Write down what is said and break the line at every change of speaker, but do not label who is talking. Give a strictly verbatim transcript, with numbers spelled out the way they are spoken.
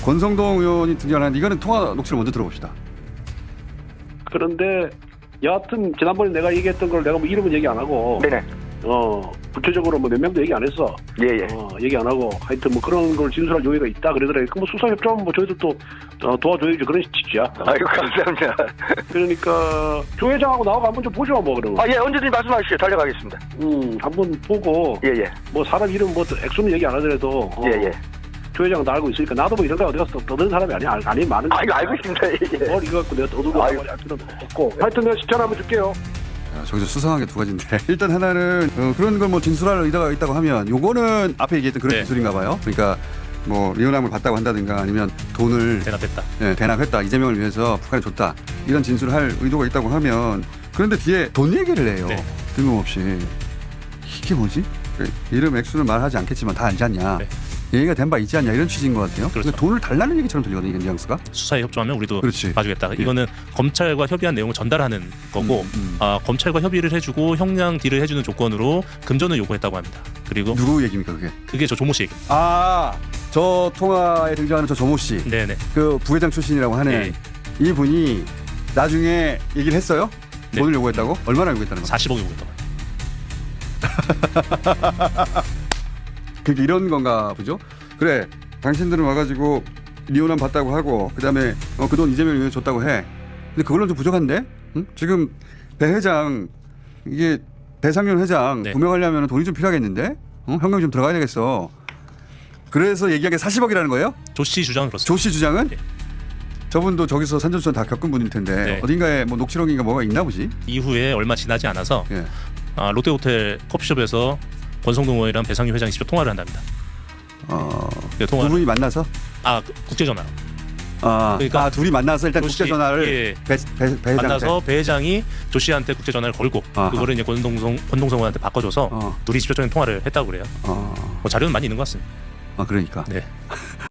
권성동 의원이 등장하는데 이거는 통화 녹취를 먼저 들어봅시다.
그런데 여하튼 지난번에 내가 얘기했던 걸 내가 뭐 이름은 얘기 안 하고
네네.
어 구체적으로 뭐 몇 명도 얘기 안 했어.
예예.
어 얘기 안 하고 하여튼 뭐 그런 걸 진술할 요의가 있다 그러더래. 그뭐 수사 협조하면 뭐 저희도 또 어, 도와줘야지 그런 취지야.
아이고 감사합니다.
그러니까 조 회장하고 나하고 한번 좀 보죠 뭐 그러면.
아 예 언제든지 말씀하시죠. 달려가겠습니다.
음 한번 보고
예예.
뭐 사람 이름 뭐 액수는 얘기 안 하더라도 어,
예예.
조 회장은 나 알고 있으니까 나도 뭐 이런 데 어디 가서 떠드는 사람이 아니야. 아니 많은.
아 이거 알고 있습니다. 예.
뭘 이거 갖고 내가 떠들고
아이고.
할 필요는 없고. 하여튼 내가 시간 한번 줄게요.
야, 저기서 수상한 게 두 가지인데 일단 하나는 어, 그런 걸 뭐 진술할 의도가 있다고 하면 요거는 앞에 얘기했던 그런
네.
진술인가 봐요. 그러니까 뭐 리오남을 봤다고 한다든가 아니면 돈을
대납했다.
예, 대납했다. 이재명을 위해서 북한에 줬다. 이런 진술을 할 의도가 있다고 하면 그런데 뒤에 돈 얘기를 해요.
네.
뜬금없이. 이게 뭐지? 이름 액수는 말하지 않겠지만 다 알지 않냐.
네.
얘기가 된 바 있지 않냐 이런 취지인 것 같아요.
그렇죠.
근데 돈을 달라는 얘기처럼 들리거든요. 이게 뉘앙스가.
수사에 협조하면 우리도
그렇지.
봐주겠다.
예.
이거는 검찰과 협의한 내용을 전달하는 거고
음, 음.
아, 검찰과 협의를 해주고 형량 딜을 해주는 조건으로 금전을 요구했다고 합니다. 그리고
누구 얘기입니까 그게?
그게 저 조모 씨 얘기.
아, 저 통화에 등장하는 저 조모 씨.
네네.
그 부회장 출신이라고 하는
네.
이 분이 나중에 얘기를 했어요?
네.
돈을 요구했다고? 얼마나 요구했다는 거야?
사십억 요구했다고.
그게 이런 건가 보죠? 그래, 당신들은 와가지고 리오남 봤다고 하고 그다음에 어, 그 돈 이재명이 위해서 줬다고 해. 근데 그걸로 좀 부족한데? 응? 지금 배 회장 이게 배상윤 회장
네.
구명하려면 돈이 좀 필요하겠는데? 어? 현금이 좀 들어가야 되겠어. 그래서 얘기한 게 사십억이라는 거예요?
조 씨 주장은 그렇습니다.
조 씨 주장은?
네.
저분도 저기서 산전수전 다 겪은 분일 텐데
네.
어딘가에 뭐 녹취록인가 뭐가 있나 보지?
이후에 얼마 지나지 않아서
예.
아, 롯데호텔 커피숍에서 권성동 의원이랑 배상윤 회장이 직접 통화를 한답니다.
어,
그
두
통화를
분이 만나서?
아 그- 국제전화
아,
그러니까
아 둘이 만나서 일단
조 씨,
국제전화를
예.
배, 배, 배
만나서 배 회장이 조 씨한테 국제전화를 걸고
아하.
그거를 이제 권동성 권동성 의원한테 바꿔줘서
어.
둘이 직접적인 통화를 했다고 그래요.
어,
뭐 자료는 많이 있는 것 같습니다.
아 그러니까.
네.